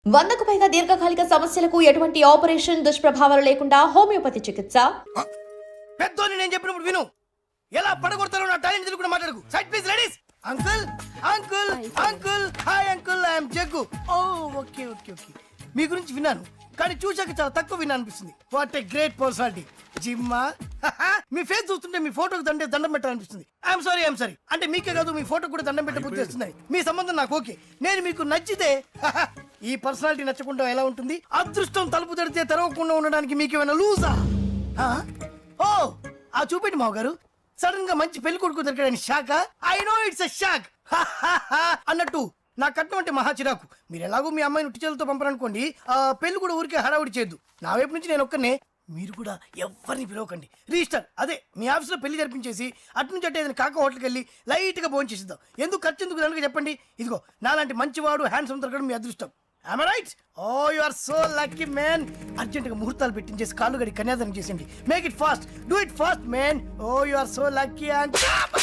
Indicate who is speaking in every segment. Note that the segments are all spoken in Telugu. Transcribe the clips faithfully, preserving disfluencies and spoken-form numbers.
Speaker 1: వందకు పైగా దీర్ఘకాలిక సమస్యలకు ఎటువంటి ఆపరేషన్ దుష్ప్రభావాలు లేకుండా హోమియోపతి చికిత్స.
Speaker 2: పెద్దోని నేను చెప్పినప్పుడు విను. ఎలా పడగొడతారో నా టాలెంట్ తెలుగు మాట్లాడకు. Side please ladies. Uncle uncle uncle hi uncle, I'm Jaggu. Oh okay okay okay మీ గురించి విన్నాను, కానీ చూశాక చాలా తక్కువ విన్నా అనిపిస్తుంది. What a great personality. జిమ్మా మీ ఫేస్ చూస్తుంటే మీ ఫోటోకి దండే దండం పెట్టాలనిపిస్తుంది. ఐఎమ్ సారీ ఐఎమ్ సారీ అంటే మీకే కాదు, మీ ఫోటో కూడా దండం పెట్టే బుద్ధి వస్తున్నాయి. మీ సంబంధం నాకు ఓకే, నేను మీకు నచ్చితే ఈ పర్సనాలిటీ నచ్చకుండా ఎలా ఉంటుంది? అదృష్టం తలుపు తెరితే తెరవకుండా ఉండడానికి మీకేమైనా లూజా? ఓ ఆ చూపెట్టి మావ గారు, సడన్ గా మంచి పెళ్లి కొడుకు దొరికాడని shock. I know it's a shock అన్నట్టు నా కట్నం అంటే మహా చిరాకు. మీరు ఎలాగో మీ అమ్మాయిని ఉట్టిచేలతో పంపరనుకోండి, ఆ పెళ్లి కూడా ఊరికే హడావుడి చేయొద్దు. నా వైపు నుంచి నేను ఒక్కనే, మీరు కూడా ఎవరిని పిలవకండి. రిజిస్టర్ అదే మీ ఆఫీస్లో పెళ్లి జరిపించేసి అటు నుంచి అంటే ఏదైనా కాక హోటల్కి వెళ్ళి లైట్ గా భోజనం చేసిద్దాం. ఎందుకు ఖర్చు ఎందుకు కనుక చెప్పండి. ఇదిగో నాలాంటి మంచివాడు హ్యాండ్సమ్ దొరకడం మీ అదృష్టం. Am I right? Oh, you are so lucky, man. Urgent గా ముహూర్తాలు పెట్టించేసి కాళ్ళు గడి కన్యాదానం చేసేయండి. Make it fast. Do it fast, man. Oh, you are so lucky. And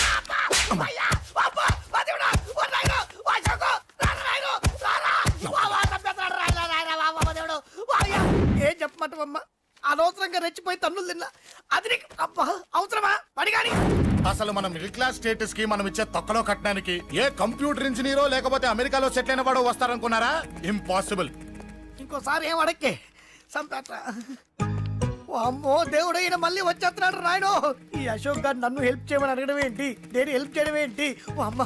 Speaker 2: ఏం చెప్పమంటావమ్మా? అనవసరంగా రెచ్చిపోయి తన్నులు తిన్నా. అది నీకు అబ్బా అవసరమా? పడిగాని
Speaker 3: అసలు మనం మిడిల్ క్లాస్ స్టేటస్ కి మనం ఇచ్చే తొక్కలో కట్టడానికి ఏ కంప్యూటర్ ఇంజనీరో లేకపోతే అమెరికాలో సెటిల్ అయిన వాడు వస్తారనుకున్నారా? ఇంపాసిబుల్.
Speaker 2: ఇంకోసారి ఏం అడక్కే సంపేట. అమ్మో దేవుడు, ఈయన మళ్ళీ వచ్చేస్తున్నాడు రాయడు. ఈ అశోక్ గారు నన్ను హెల్ప్ చేయమని అడగడం ఏంటి, నేను హెల్ప్ చేయడం ఏంటి? ఓ అమ్మ.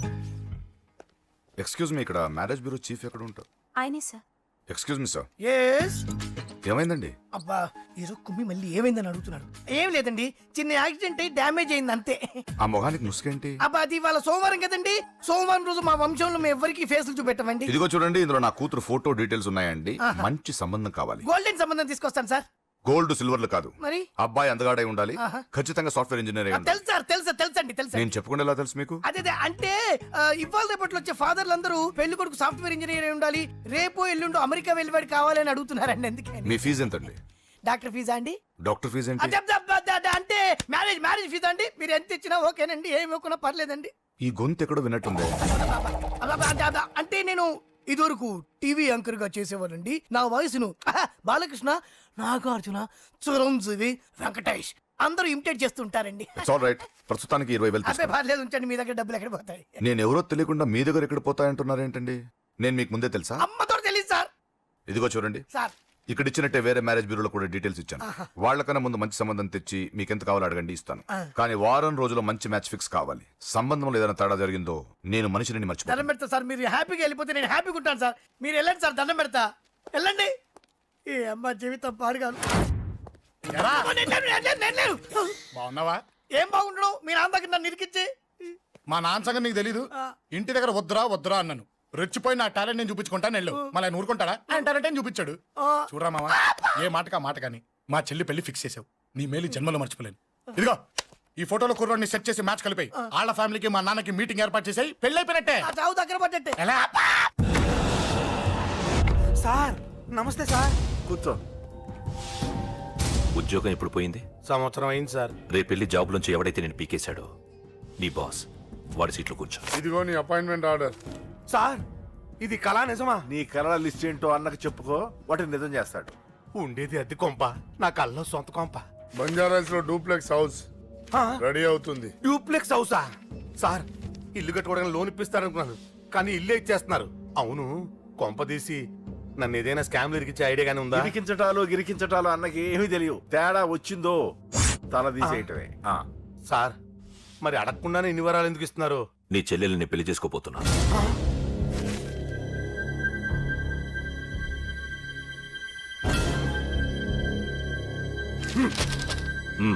Speaker 4: ఎక్స్క్యూజ్ మీ, ఇక్కడ మ్యారేజ్ బ్యూరో చీఫ్ ఎక్కడ ఉంటారు?
Speaker 5: ఆయనే sir.
Speaker 4: Excuse me sir,
Speaker 2: yes.
Speaker 4: ఏమైందండి?
Speaker 2: అబ్బా ఈరోజు కుమ్మి మళ్ళీ ఏమైందని అడుగుతున్నాడు. ఏం లేదండి, చిన్న యాక్సిడెంట్ అయ్యి డ్యామేజ్ అయింది అంతే.
Speaker 4: ఆ మొహానికి ముసుకేంటి?
Speaker 2: అబ్బా అది ఇవాళ సోమవారం కదండి, సోమవారం రోజు మా వంశంలో మేము ఎవరికి ఫేస్లు చూపెట్టమండి.
Speaker 4: ఇదిగో చూడండి, ఇందులో నా కూతురు ఫోటో డీటెయిల్స్ ఉన్నాయండి. మంచి సంబంధం కావాలి.
Speaker 2: గోల్డెన్ సంబంధం తీసుకొస్తాను సార్.
Speaker 4: గోల్డ్ సిల్వర్లు కాదు,
Speaker 2: మరి
Speaker 4: అబ్బాయి అందగాడై ఉండాలి.
Speaker 2: ఆహా.
Speaker 4: ఖచ్చితంగా సాఫ్ట్వేర్ ఇంజనీర్ అయి ఉండాలి.
Speaker 2: తెలుసు సార్, తెలుసా తెలుసండి తెలుసా.
Speaker 4: నేను చెప్పకుండా ఎలా తెలుసు మీకు?
Speaker 2: అదే అదే అంటే ఆ, ఇవాళ రేపట్లో వచ్చే ఫాదర్లు అందరూ పెళ్లి కొడుకు సాఫ్ట్వేర్ ఇంజనీర్ అయి ఉండాలి, రేపు ఎల్లుండు అమెరికా వెళ్ళివాడు కావాలని అడుగుతున్నారండి. అందుకే
Speaker 4: మీ ఫీజు ఎంతండి?
Speaker 2: డాక్టర్ ఫీజా అండి?
Speaker 4: డాక్టర్ ఫీజు ఏంటి?
Speaker 2: అదే, అదే, అదే, అదే, అంటే మ్యారేజ్ మ్యారేజ్ ఫీజా అండి? మీరు ఎంత ఇచ్చినా ఓకేనండి, ఏమి ఇవ్వకున్నా పర్లేదండి.
Speaker 4: ఈ గొంతు ఎక్కడో విన్నట్టుంది.
Speaker 2: అలా, అదే, అదే, అంటే నేను ఇదివరకు టీవీ యాంకర్ గా చేసేవాడండి. నా వయసును ఆహా, బాలకృష్ణ, నాగార్జున, చిరంజీవి, వెంకటేష్ అందరూ ఇమిటేట్ చేస్తుంటారండి.
Speaker 4: It's all right. ప్రస్తుతానికి ఇరవై వేలు
Speaker 2: అబ్బే
Speaker 4: తీసుకోండి.
Speaker 2: పర్లేదు ఉంచండి, మీ దగ్గర డబ్బులు ఎక్కడ పోతాయి?
Speaker 4: నేను ఎవరో తెలియకుండా మీ దగ్గర ఎక్కడ పోతాయంటున్నారు ఏంటండి? నేను మీకు ముందే తెలుసా?
Speaker 2: అమ్మతో తెలియదు సార్.
Speaker 4: ఇదిగో చూడండి,
Speaker 2: సార్
Speaker 4: ఇక్కడ ఇచ్చినట్టే వేరే మ్యారేజ్ బ్యూరోలో కూడా డీటెయిల్స్ ఇచ్చాను. వాళ్ళకన్నా ముందు మంచి సంబంధం తెచ్చి మీకు ఎంత కావాలో అడగండి, ఇస్తాను. కానీ వారం రోజుల్లో మంచి మ్యాచ్ ఫిక్స్ కావాలి. సంబంధంలో ఏదైనా తేడా జరిగిందో నేను మనిషిని
Speaker 2: దండం
Speaker 4: మర్చిపోతాను.
Speaker 2: పెడతా సార్. మీరు హ్యాపీగా వెళ్ళిపోతే నేను హ్యాపీగా ఉంటాను సార్. మీరు వెళ్ళండి సార్, దండం పెడతా. వెళ్ళండి. ఈ అమ్మ జీవితం పాడుగాను.
Speaker 3: ఎరా?
Speaker 2: నేను లేను, నేను లేను, నేను లేను.
Speaker 3: బాగున్నావా?
Speaker 2: ఏం బాగుండడం, మీ నాన్న దగ్గర నన్ను ఇరికిచ్చి.
Speaker 3: మా నాన్న సంగతి నీకు తెలీదు. ఇంటి దగ్గర వద్దురా వద్దురా అన్నాను. రెచ్చిపోయి నా టాలెంట్ నేను చూపించుకుంటాను వెళ్ళు. మళ్ళీ ఆయన ఊరుకుంటాడా? ఆయన టాలెంట్ అని చూపించాడు. చూడరా మావా, ఏ మాటకా మాట కానీ మా చెల్లి పెళ్లి ఫిక్స్ చేసావు. నీ మేలు జన్మలో మర్చిపోలేను. ఇదిగో ఈ ఫోటోలో కుర్రాడిని సెట్ చేసి మ్యాచ్ కలిపాయి. వాళ్ళ ఫ్యామిలీకి మా నాన్నకి మీటింగ్ ఏర్పాటు చేసాయి. పెళ్లి అయిపోయినట్టే.
Speaker 2: ఆ చావు దగ్గర పడ్డట్టే.
Speaker 3: ఎలా?
Speaker 6: సార్ నమస్తే సార్.
Speaker 7: కూర్చో.
Speaker 8: ఉద్యోగం ఎప్పుడు పోయింది?
Speaker 6: సంవత్సరం అయింది సార్.
Speaker 8: రేపెళ్ళి జాబ్ నుంచి ఎవడైతే నేను పీకేశాడో నీ బాస్ వాడి సీట్లో కూర్చో.
Speaker 7: ఇదిగో నీ అపాయింట్మెంట్ ఆర్డర్.
Speaker 6: సార్ ఇది కళా నిజమా?
Speaker 7: నీ కలల లిస్ట్ ఏంటో అన్నకు చెప్పుకో, వాటిని నిజం చేస్తాడు.
Speaker 6: ఉండేది అద్దె కొంప, నా కళ్ళలో సొంత కొంప.
Speaker 7: బంజారాస్ లో డూప్లెక్స్ హౌస్ రెడీ అవుతుంది.
Speaker 6: డూప్లెక్స్ హౌసా? సార్ ఇల్లు కట్టుకోవడానికి లోన్ ఇప్పిస్తారనుకున్నాను, కానీ ఇల్లే ఇచ్చేస్తున్నారు. అవును, కొంప తీసి నన్ను ఏదైనా స్కామ్ ఇరికించే ఐడియా గానీ ఉందా?
Speaker 7: గిరికించటాలు గిరికించటాలు అన్నకి ఏమీ తెలియవు. తేడా వచ్చిందో తల తీసేయటమే. ఆ.
Speaker 6: సార్ మరి అడగకుండానే ఇన్ని వరాలు ఎందుకు ఇస్తున్నారు?
Speaker 8: నీ చెల్లెల్ని పెళ్లి చేసుకోపోతున్నా. మ్మ్.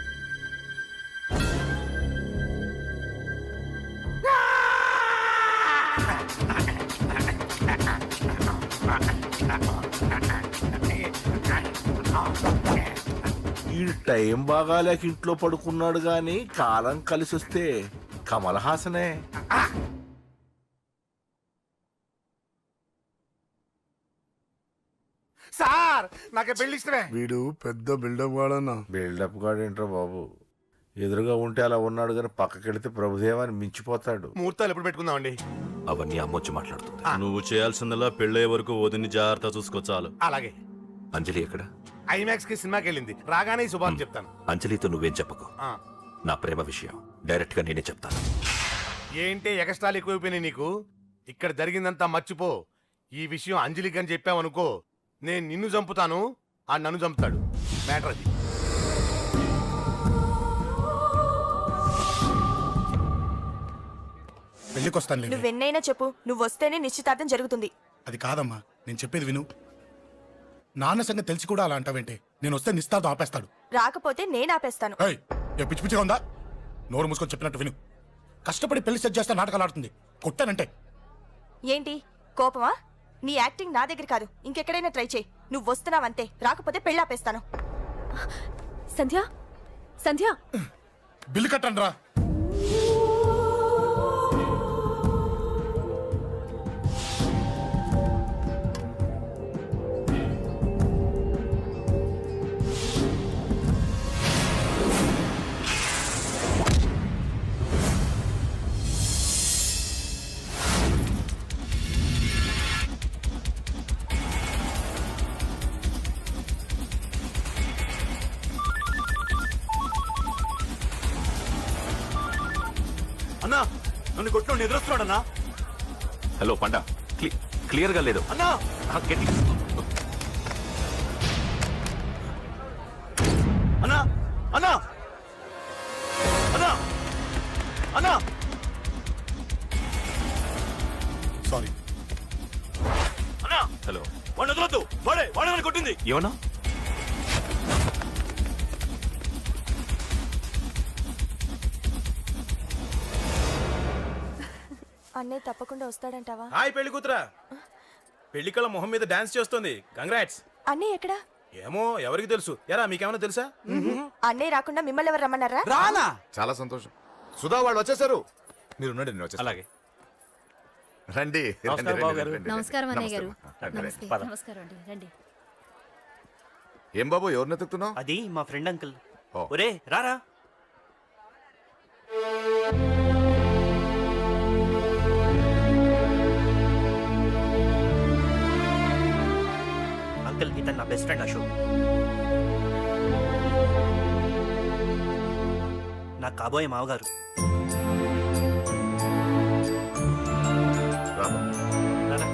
Speaker 7: ఈ టైం బాగాలేక ఇంట్లో పడుకున్నాడు గాని కాలం కలిసి వస్తే కమల్ హాసనే.
Speaker 6: సార్ నాకే పెళ్లి ఇష్టమే.
Speaker 9: వీడు పెద్ద బిల్డప్ వాడన్నా.
Speaker 7: బిల్డప్ గాడేంట్రా బాబు, ఎదురుగా ఉంటే అలా ఉన్నాడు కానీ పక్కకెడితే ప్రభుదేవాన్ని మించిపోతాడు.
Speaker 6: ముహూర్తాలు ఎప్పుడు పెట్టుకుందామండి?
Speaker 8: అవన్నీ అమ్మొచ్చి మాట్లాడుతుంది.
Speaker 5: నువ్వు చేయాల్సిందల్లా పెళ్ళే వరకు వదిని జాగ్రత్త చూసుకో చాలు.
Speaker 6: అలాగే.
Speaker 8: అంజలి ఎక్కడ?
Speaker 6: ఐమాక్స్ కి సినిమాకి వెళ్ళింది, రాగానే ఈ శుభాన్ని చెప్తాను.
Speaker 8: అంజలితో నువ్వేం చెప్పకు.
Speaker 6: ఆ.
Speaker 8: నా ప్రేమ విషయం డైరెక్ట్ గా నేనే చెప్తాను.
Speaker 6: ఏంటి ఎగస్ట్రాలు ఎక్కువైపోయినాయి నీకు? ఇక్కడ జరిగిందంతా మర్చిపో. ఈ విషయం అంజలికి అని చెప్పావనుకో, నేను నిన్ను చంపుతాను, ఆ నన్ను చంపుతాడు. మ్యాటర్ అది.
Speaker 3: పెళ్లికి వస్తాను.
Speaker 10: నువ్వెన్నైనా చెప్పు, నువ్వు వస్తేనే నిశ్చితార్థం జరుగుతుంది.
Speaker 3: అది కాదమ్మా, నేను చెప్పేది విను. నాన్న సంగతి తెలిసి కూడా అలా అంటావేంటే? నేను వస్తే నిస్తార్థం ఆపేస్తాడు.
Speaker 10: రాకపోతే నేను ఆపేస్తాను.
Speaker 3: ఏయ్, ఏ పిచ్చి పిచ్చిగా ఉందా? నోరు మూసుకొని చెప్పినట్టు విను. కష్టపడి పెళ్లి సెట్ చేస్తే నాటకాలు ఆడుతుంది. కొట్టానంటే
Speaker 10: ఏంటి కోపమా? నీ యాక్టింగ్ నా దగ్గర కాదు, ఇంకెక్కడైనా ట్రై చేయి. నువ్వు వస్తున్నావంతే, రాకపోతే పెళ్ళి ఆపేస్తాను. సంధ్య, సంధ్య,
Speaker 3: బిల్లు కట్టండి రా.
Speaker 5: అన్నా నన్ను కొట్టు ఎదురొస్తున్నాడన్నా.
Speaker 8: హలో పండా, క్లియర్ గా లేదు
Speaker 5: అన్నా.
Speaker 8: ఆ, గట్టి.
Speaker 5: అన్నా అన్నా అన్నా అన్నా
Speaker 3: సారీ.
Speaker 5: అన్నా.
Speaker 8: హలో,
Speaker 5: వాడిని వదలొద్దు, వాడే వాడే నన్ను కొట్టింది.
Speaker 8: ఏమన్నా?
Speaker 10: అన్నయ్య తప్పకుండా వస్తాడంటావా?
Speaker 5: హాయ్ పెళ్లి కూతురా. పెళ్లి కళ మొహం మీద డాన్స్ చేస్తుంది. కంగ్రాట్స్.
Speaker 10: అన్నయ్య ఎక్కడా?
Speaker 5: ఏమో ఎవరికి తెలుసు. ఎరా మీకేమైనా తెలుసా?
Speaker 10: అన్నయ్య రాకుండా మిమ్మల్ని ఎవరు రమ్మన్నారా?
Speaker 5: రానా?
Speaker 4: చాలా సంతోషం. సుధా వాళ్ళు వచ్చేసారు. మీరు ఉండండి, నేను వచ్చేస్తాను.
Speaker 5: అలాగే.
Speaker 4: రండి. రండి, రండి, రండి, రండి.
Speaker 11: నమస్కారం అన్నయ్య గారు.
Speaker 4: నమస్తే, రండి, రండి.
Speaker 11: నమస్తే, నమస్కారం అండి, రండి.
Speaker 4: ఏం బాబు, ఎవరిని ఎత్తుకుతున్నావు?
Speaker 5: అది మా ఫ్రెండ్ అంకుల్.
Speaker 4: ఓ.
Speaker 5: ఒరే రారా. అంకుల్ ఇతను నా బెస్ట్ ఫ్రెండ్ అశోక్. నా కాబోయే మావగారు.
Speaker 4: రా బాబు.
Speaker 5: రారా.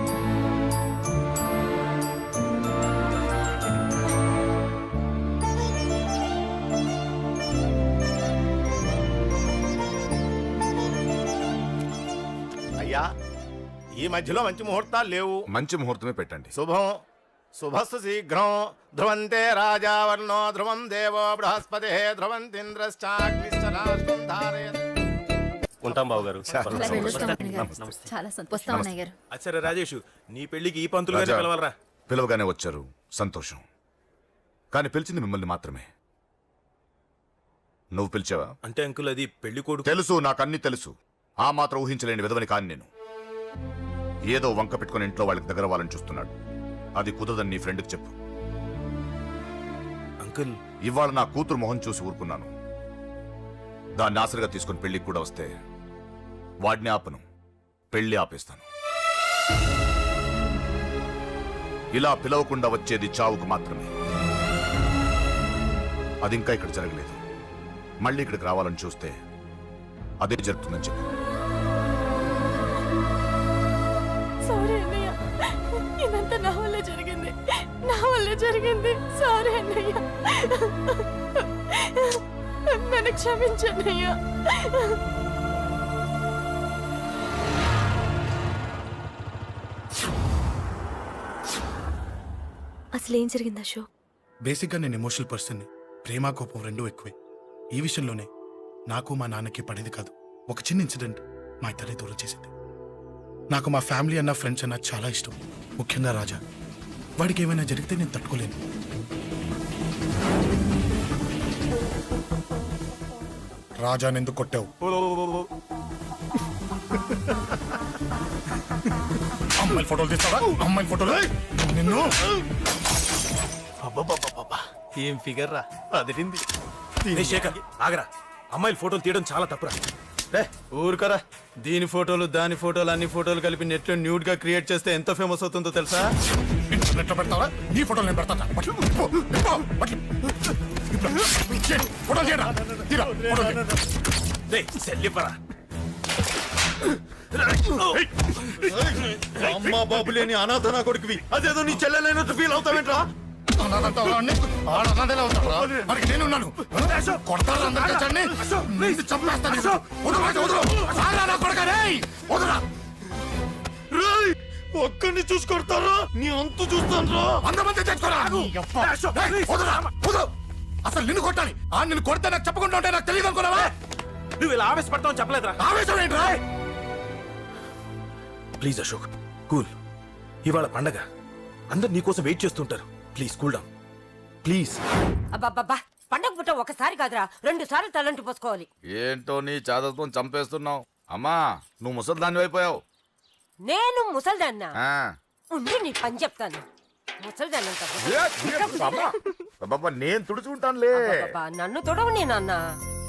Speaker 6: అయ్యా, ఈ మధ్యలో మంచి ముహూర్తాలు లేవు.
Speaker 4: మంచి ముహూర్తమే పెట్టండి.
Speaker 6: శుభం శుభస్సు శీఘ్రం. ధ్రువంతే రాజావర్ణో ధ్రువం దేవో బృహస్పతి ధ్రువంతింద్రశ్చాగ్నిశ్చరాష్ట్రం ధారయత్.
Speaker 5: ఉంటాం బాబు గారు.
Speaker 11: అలా వెళ్ళొస్తాం అన్నయ్య గారు. చాలా సంతోషం. వస్తాం అన్నయ్య గారు.
Speaker 5: సరే రాజేష్, నీ పెళ్లికి ఈ పంతులు
Speaker 4: రాజా,
Speaker 5: పిలవాలరా.
Speaker 4: పిలవగానే వచ్చారు, సంతోషం. కానీ పిలిచింది మిమ్మల్ని మాత్రమే. నువ్వు పిలిచావా?
Speaker 5: అంటే అంకుల్ అది పెళ్లి కొడుకు.
Speaker 4: తెలుసు, నాకు అన్ని తెలుసు. ఆ మాత్రం ఊహించలేని విధవని కాని నేను. ఏదో వంక పెట్టుకుని ఇంట్లో వాళ్ళకి దగ్గర వాళ్ళని చూస్తున్నాడు. అది కుదరదని నీ ఫ్రెండ్కి చెప్పు.
Speaker 5: అంకుల్
Speaker 4: ఇవాళ నా కూతురు మొహం చూసి ఊరుకున్నాను. దాన్ని ఆసరిగా తీసుకుని పెళ్లికి కూడా వస్తే వాడిని ఆపను, పెళ్లి ఆపేస్తాను. ఇలా పిలవకుండా వచ్చేది చావుకు మాత్రమే. అది ఇంకా ఇక్కడ జరగలేదు. మళ్ళీ ఇక్కడికి రావాలని చూస్తే అదే జరుగుతుందని చెప్పు.
Speaker 10: సారీ అన్నయ్య, ఇదంతా నా వల్ల జరిగింది, నా వల్ల జరిగింది. సారీ అన్నయ్య, నన్ను క్షమించన్నయ్య. అసలు ఏం జరిగింది అశోక్?
Speaker 3: బేసిక్గా నేను ఎమోషనల్ పర్సన్ని. ప్రేమ కోపం రెండూ ఎక్కువే. ఈ విషయంలోనే నాకు మా నాన్నకి పడేది కాదు. ఒక చిన్న ఇన్సిడెంట్ మా ఇద్దరిని దూరం చేసింది. నాకు మా ఫ్యామిలీ అన్న ఫ్రెండ్స్ అన్న చాలా ఇష్టం, ముఖ్యంగా రాజా. వాడికి ఏమైనా జరిగితే నేను తట్టుకోలేను. రాజాని ఎందుకు కొట్టావు? అమ్మాయిల ఫోటోలు తీస్తావా? అమ్మాయిల ఫోటోలు నిన్ను.
Speaker 5: ఏం ఫిగర్ రా అదిరింది. శేఖర్ ఆగరా, అమ్మాయిల ఫోటోలు తీయడం చాలా తప్పురా. రే ఊరుకరా, దీని ఫోటోలు దాని ఫోటోలు అన్ని ఫోటోలు కలిపి నెట్ లో న్యూడ్ గా క్రియేట్ చేస్తే ఎంత ఫేమస్ అవుతుందో తెలుసా?
Speaker 3: ఇంటర్నెట్ లో పెడతావా? నీ ఫోటోలు నేను పెడతాను. పట్లు, పో, పో, పట్లు. ఇప్పుడు, చేయి, ఫోటోలు చేయరా? తీరా, ఫోటోలు చేయి.
Speaker 5: రే సెల్లిపరా. అమ్మా బాబు లేని అనాథ నా కొడుకువి, అదేదో నీ చెల్లెలైనట్టు ఫీల్ అవుతావేంట్రా?
Speaker 3: అనాథంటావా వాడిని? వాడు అనాథలే అవుతాడురా. మరి నేనున్నాను. కొడతారా అందరికీ వచ్చాడిని? నిన్ను చంపేస్తాను. వదరు, రాజు, వదరు. ఆగరా నా కొడుకా, రేయ్, వదరురా.
Speaker 5: రేయ్ ఒక్కడిని చూసుకొడతారా? నీ అంతు చూస్తాను.
Speaker 3: వంద మంది తెచ్చుకోరా. రేయ్, వదరురా, వదరు. అసలు నిన్ను కొట్టాలి. ఆ నిన్ను కొడితే నాకు చెప్పకుండా ఉంటే నాకు తెలియదు అనుకున్నావా?
Speaker 5: నువ్వు ఇలా ఆవేశపడతావు చెప్పలేదురా.
Speaker 3: ఆవేశం ఏంట్రా?
Speaker 5: Please Ashok, cool. ఇవాళ పండగ, అందరు నీకోసం వెయిట్ చేస్తుంటారు. Please cool down please.
Speaker 10: అబ్బబ్బబ్బా, పండగ పుట్ట ఒకసారి కాదురా, రెండు సార్లు తలంటి పోసుకోవాలి.
Speaker 4: ఏంటో నీ చాదత్వం చంపేస్తున్నావు. అమ్మా నువ్వు ముసలిదాన్ని అయిపోయావు.
Speaker 10: నేను ముసల్దాన్నా?
Speaker 4: ఆ.
Speaker 10: ఉండి నీ పని చెప్తాను. ముసల్దాన్నంట
Speaker 4: ఏ, ఏ, అమ్మా. అబ్బబ్బా, నేను తుడుచుకుంటానులే.
Speaker 10: అబ్బబ్బబ్బా, నన్ను తొడవు నేనన్నా.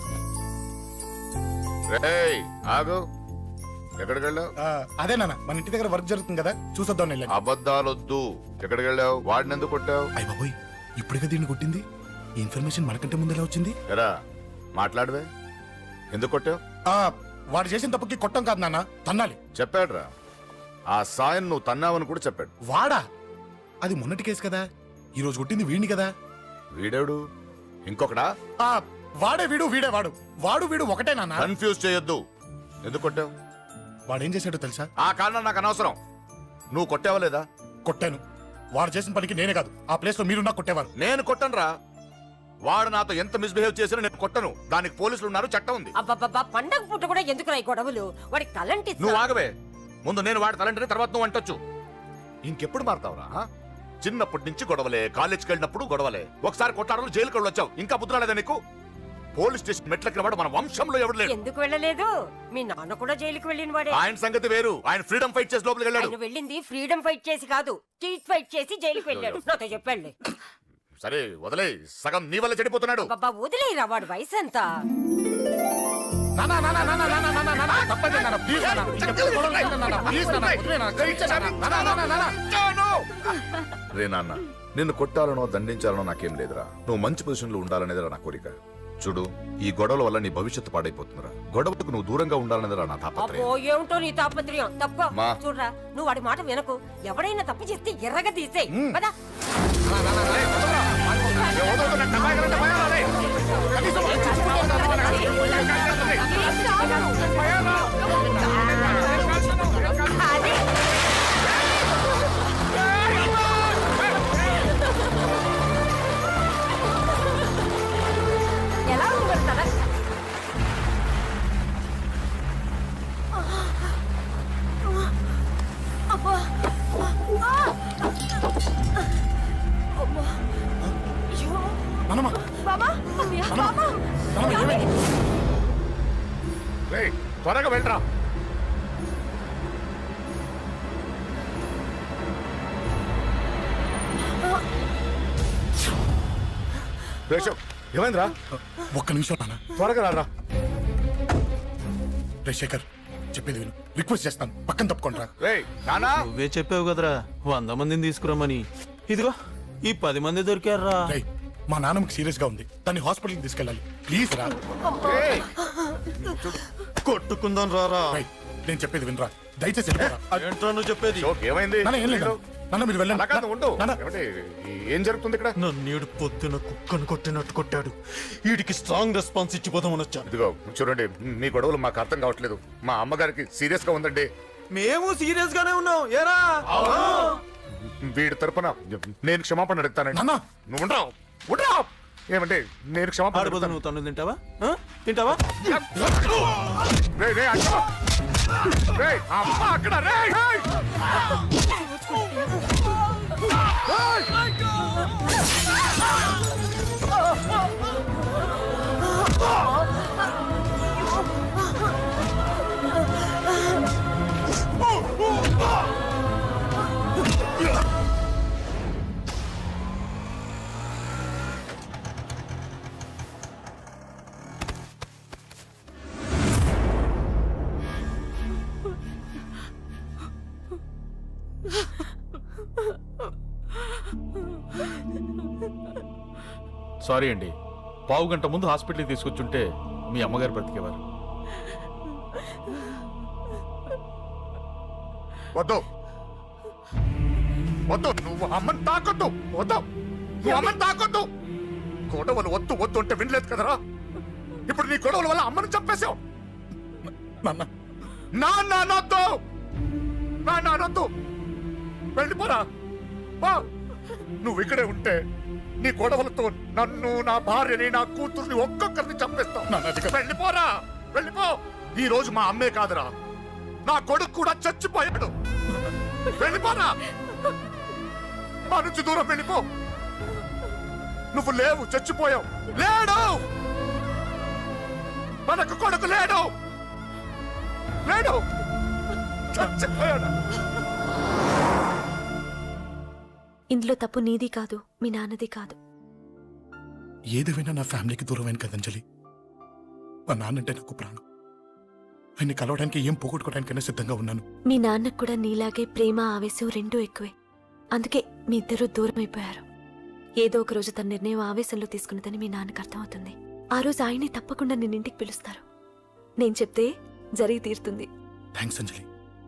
Speaker 4: రేయ్ ఆగు, ఎక్కడికి వెళ్ళావు?
Speaker 3: ఆ, అదే నాన్న, మన ఇంటి దగ్గర వర్క్ జరుగుతుంది కదా, చూసొద్దాం వెళ్ళాను.
Speaker 4: అబద్ధాలొద్దు. ఎక్కడికి వెళ్ళావు? వాడిని ఎందుకు కొట్టావు?
Speaker 3: అయ్య బాబోయ్, ఇప్పుడుగా దీన్ని కొట్టింది. ఈ ఇన్ఫర్మేషన్ మనకంటే ముందు ఎలా వచ్చింది?
Speaker 4: ఎరా మాట్లాడవే, ఎందుకు కొట్టావు?
Speaker 3: ఆ, వాడు చేసిన తప్పుకి కొట్టం కాదు నాన్న, తన్నాలి.
Speaker 4: చెప్పాడురా, ఆ సాయం నువ్వు తన్నావని కూడా చెప్పాడు.
Speaker 3: వాడా? అది మొన్నటి కేసు కదా, ఈ రోజు కొట్టింది వీడిని కదా.
Speaker 4: వీడేడు ఇంకొకడా?
Speaker 3: ఆ, వాడే వీడు, వీడే వాడు. వాడు వీడు ఒకటే నాన్న.
Speaker 4: కన్ఫ్యూజ్ చేయొద్దు. ఎందుకు కొట్టావు?
Speaker 3: వాడేం చేశాడో తెలుసా?
Speaker 4: ఆ కారణం నాకు అనవసరం. నువ్వు కొట్టావా లేదా?
Speaker 3: కొట్టాను. వాడు చేసిన పనికి నేనే కాదు, ఆ ప్లేస్ లో మీరున్నా కొట్టేవారు.
Speaker 4: నేను కొట్టనురా. వాడు నాతో ఎంత మిస్బిహేవ్ చేసినా నేను కొట్టను. దానికి పోలీసులు ఉన్నారు, చట్టం ఉంది.
Speaker 10: అబ్బబ్బబ్బా, పండగ పుట్ట కూడా ఎందుకు రాయి గొడవలు? వాడికి తలంటి
Speaker 4: నువ్వు ఆగవే. ముందు నేను వాడి తలంటే తర్వాత నువ్వు అంటొచ్చు. ఇంకెప్పుడు మారుతావురా? ఆ? చిన్నప్పటి నుంచి గొడవలే, కాలేజ్కి వెళ్ళినప్పుడు గొడవలే. ఒకసారి కొట్టాడలు జైలుకి వెళ్ళి వచ్చావు, ఇంకా బుద్ధి నీకు? పోలీస్ స్టేషన్ మెట్లకి వాడు మన వంశంలో ఎవడు లేడు.
Speaker 10: ఎందుకు వెళ్ళలేదు? మీ నాన్న కూడా జైలుకి వెళ్ళిన వాడే.
Speaker 4: ఆయన సంగతి వేరు. ఆయన ఫ్రీడమ్ ఫైట్ చేసి లోపలికి వెళ్ళాడు.
Speaker 10: ఆయన వెళ్ళింది ఫ్రీడమ్ ఫైట్ చేసి కాదు, స్ట్రీట్ ఫైట్ చేసి జైలుకి వెళ్ళాడు. నాతో చెప్పండి.
Speaker 4: సరే వదిలే, సగం నీ వల్ల చెడిపోతున్నాడు.
Speaker 10: బాబా వదిలేరా, వాడు వయసు ఎంత?
Speaker 3: నాన్న, నాన్న, నాన్న, నాన్న, నాన్న, నాన్న, తప్పండి నాన్న, ప్లీజ్ నాన్న. ఇంకెప్పుడు గొడవలు చేయను నాన్న, ప్లీజ్ నాన్న, వదిలే నాన్న, క్షమించండి నాన్న. నాన్న, నాన్న, నాన్న.
Speaker 4: రే నాన్న, నిన్ను కొట్టాలనో దండించాలనో నాకేం లేదురా. నువ్వు మంచి పొజిషన్ లో ఉండాలనేదిరా నా కోరిక. చూడు, ఈ గొడవల వల్ల నీ భవిష్యత్తు పాడైపోతుందిరా. గొడవకు నువ్వు దూరంగా ఉండాలనేదిరా నా
Speaker 10: అబ్బో
Speaker 4: తాపత్రయం.
Speaker 10: ఏమిటో నీ తాపత్రయం. తప్ప
Speaker 4: మా.
Speaker 10: చూడరా, నువ్వు వాడి మాట వినకు. ఎవడైనా తప్పు చేస్తే ఎర్రగా తీసేయ్ కదా. ఎలా ఉంది మరి తల? అబ్బా. అబ్బా. అయ్యో.
Speaker 3: నాన్నమ్మ,
Speaker 10: బాబా, బాబా.
Speaker 3: నాన్నమ్మ, ఏమైంది?
Speaker 4: రేయ్, త్వరగా వెళ్ళరా. రేషవ్, ఏమైందిరా?
Speaker 3: ఒక్క నిమిషం నాన్న.
Speaker 4: త్వరగా రారా.
Speaker 3: రే శేఖర్, చెప్పేది విను, రిక్వెస్ట్ చేస్తాను, పక్కన తప్పుకోండి రా.
Speaker 4: రేయ్ నానా.
Speaker 5: నువ్వే చెప్పావు కదరా వంద మందిని తీసుకురమ్మని. ఇదిగో ఈ పది మంది దొరికారా.
Speaker 3: రేయ్, మా నాన్నమ్మకి సీరియస్ గా ఉంది, దాన్ని హాస్పిటల్కి తీసుకెళ్ళాలి, ప్లీజ్ రా.
Speaker 4: రేయ్,
Speaker 5: కొట్టుకుందాం రారా.
Speaker 3: రేయ్, నేను చెప్పేది వినరా, దయచేసి వెళ్ళిపోరా.
Speaker 5: ఏంట్రా నువ్వు చెప్పేది?
Speaker 4: షోక్ ఏమైంది?
Speaker 3: నాన్న, ఏం లేదు నాన్న, మీరు వెళ్ళండి.
Speaker 4: అలా కాదు, ఉండు.
Speaker 3: నాన్న,
Speaker 4: ఏమండి, ఏం జరుగుతుంది ఇక్కడ?
Speaker 5: నన్నేడు పొద్దున కుక్కను కొట్టినట్టు కొట్టాడు. వీడికి స్ట్రాంగ్ రెస్పాన్స్ ఇచ్చిపోదామని వచ్చాను.
Speaker 4: ఇదిగో చూడండి, మీ గొడవలు మాకు అర్థం కావట్లేదు. మా అమ్మగారికి సీరియస్ గా ఉందండి.
Speaker 5: మేము సీరియస్ గానే ఉన్నాం. ఏరా
Speaker 4: వీడి తరపున నేను క్షమాపణ అడుగుతానండి.
Speaker 3: నాన్న.
Speaker 4: నువ్వు ఉండరావు, ఉండరావు. ఏమంటే నేను క్షమాపణ
Speaker 5: ఆడిపోతా
Speaker 4: అడుగుతాను.
Speaker 5: నువ్వు తను తింటావా? ఆ? తింటావా?
Speaker 4: రేయ్, రేయ్, అక్కడ. రేయ్, అమ్మ అక్కడ. రేయ్, రేయ్.
Speaker 5: సారీ అండి, పావు గంట ముందు హాస్పిటల్కి తీసుకొచ్చుంటే మీ అమ్మగారు బ్రతికేవారు.
Speaker 4: వద్దు వద్దు, నువ్వు అమ్మని తాకొద్దు. వద్దు, నువ్వు అమ్మని తాకొద్దు. గొడవలు వద్దు వద్దు అంటే వినలేదు కదరా. ఇప్పుడు నీ గొడవల వల్ల అమ్మని చంపేశావు.
Speaker 3: నాన్న
Speaker 4: నాన్న అనొద్దు, నాన్న అనొద్దు. వెళ్ళిపోరా. పో. నువ్వు ఇక్కడే ఉంటే నీ గొడవలతో నన్ను, నా భార్యని, నా కూతుర్ని ఒక్కొక్కరిని చంపేస్తావు.
Speaker 3: నాన్న, అది కాదు.
Speaker 4: వెళ్ళిపోరా, వెళ్ళిపో. ఈ రోజు మా అమ్మే కాదురా, నా కొడుకు కూడా చచ్చిపోయాడు. వెళ్ళిపోరా, మా నుంచి దూరం వెళ్ళిపో. నువ్వు లేవు, చచ్చిపోయావు. లేడు, మనకు కొడుకు లేడు, లేడు, చచ్చిపోయాడు.
Speaker 10: ఇందులో తప్పు నీది కాదు, మీ నాన్నది కాదు.
Speaker 3: ఏదేమైనా నా ఫ్యామిలీకి దూరమైన కదా అంజలి. మా నాన్నంటే నాకు ప్రాణం. ఆయన్ని కలవడానికి ఏం పోగొట్టుకోవడానికైనా సిద్ధంగా ఉన్నాను.
Speaker 10: మీ నాన్నకు కూడా నీలాగే ప్రేమ, ఆవేశం రెండూ ఎక్కువే. అందుకే మీ ఇద్దరూ దూరం అయిపోయారు. ఏదో ఒక రోజు తన నిర్ణయం ఆవేశంలో తీసుకున్నదని మీ నాన్నకు అర్థమవుతుంది. ఆ రోజు ఆయనే తప్పకుండా నిన్న ఇంటికి పిలుస్తారు. నేను చెప్తే జరిగి తీరుతుంది.
Speaker 3: థ్యాంక్స్ అంజలి.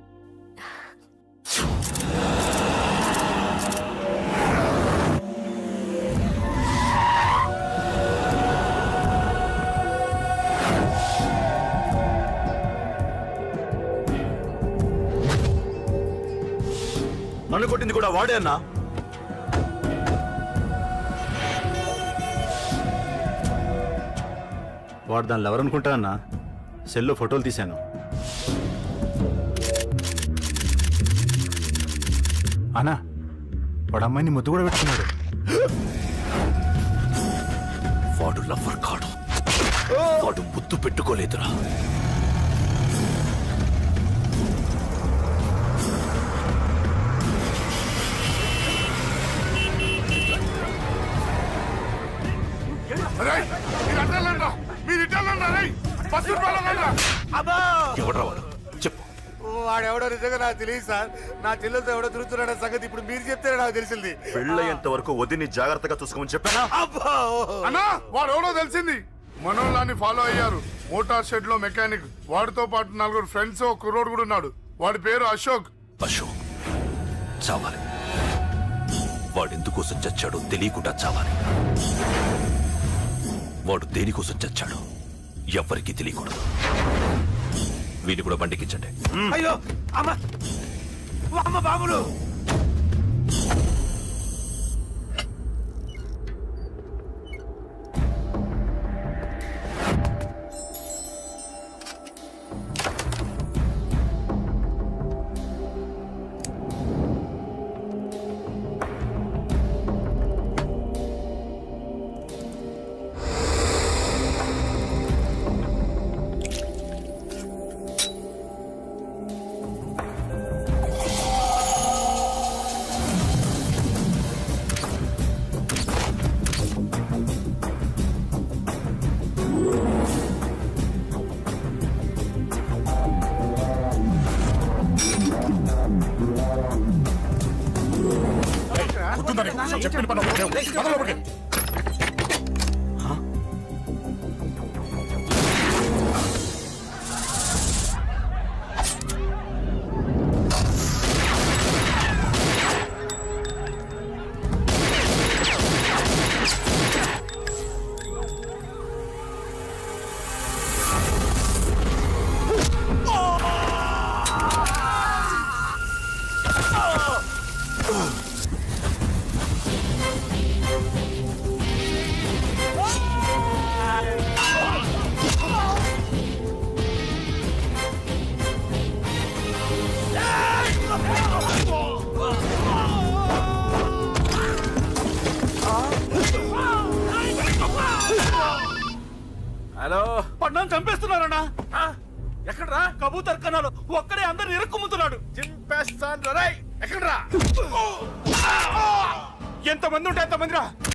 Speaker 5: నన్ను కొట్టింది కూడా వాడే అన్నా.
Speaker 12: వాడు దానిలో ఎవరనుకుంటా అన్నా, సెల్లో ఫోటోలు తీశాను. అన్నా, వాడు అమ్మాయిని ముద్దు కూడా పెట్టుకున్నాడు.
Speaker 8: వాడు లవ్వర్ కాడు, వాడు ముద్దు పెట్టుకోలేదురా.
Speaker 4: రేయ్, మీరు అడ్డాలండ్రా, మీరు ఇడ్డాలండ్రా, రేయ్, బస్సు రూపాయలండ్రా.
Speaker 6: అబ్బా,
Speaker 8: ఎవడ్రా వాడు? చెప్పు.
Speaker 6: వాడెవడో నిజంగా నాకు తెలియదు సార్. నా చెల్లెలతో ఎవడో తిరుగుతున్నాడన్న సంగతి ఇప్పుడు మీరు చెప్తే నాకు తెలిసింది.
Speaker 8: పెళ్ళయ్యేంత వరకు వదిని జాగ్రత్తగా చూసుకోమని చెప్పానా?
Speaker 6: అబ్బా,
Speaker 9: అన్నా వాడు ఎవడో తెలిసింది. మనోళ్ళని ఫాలో అయ్యారు. మోటార్ షెడ్ లో మెకానిక్. వాడితో పాటు నలుగురు ఫ్రెండ్స్, ఒక కుర్రోడు కూడా ఉన్నాడు. వాడి పేరు అశోక్.
Speaker 8: అశోక్ చావాలి. వాడెందుకోసం చచ్చాడో తెలియకుండా చావాలి. వాడు దేనికోసం చచ్చాడో ఎవ్వరికీ తెలియకూడదు. వీడిని కూడా బండికించండి.
Speaker 6: అయ్యో అమ్మ, అమ్మ బాబులు.
Speaker 3: చెప్పిన పని ఒకటే. పద లోపలికి.
Speaker 5: హలో, పడ్డాను చంపేస్తున్నారన్నా. ఎక్కడ్రా కబూతర్ కన్నాలు? ఒక్కడే అందరు ఇరుక్కుమ్ముతున్నాడు.
Speaker 6: చింపేస్తాను రా. ఎక్కడ్రా?
Speaker 5: ఎంతమంది ఉంటే ఎంతమంది రా.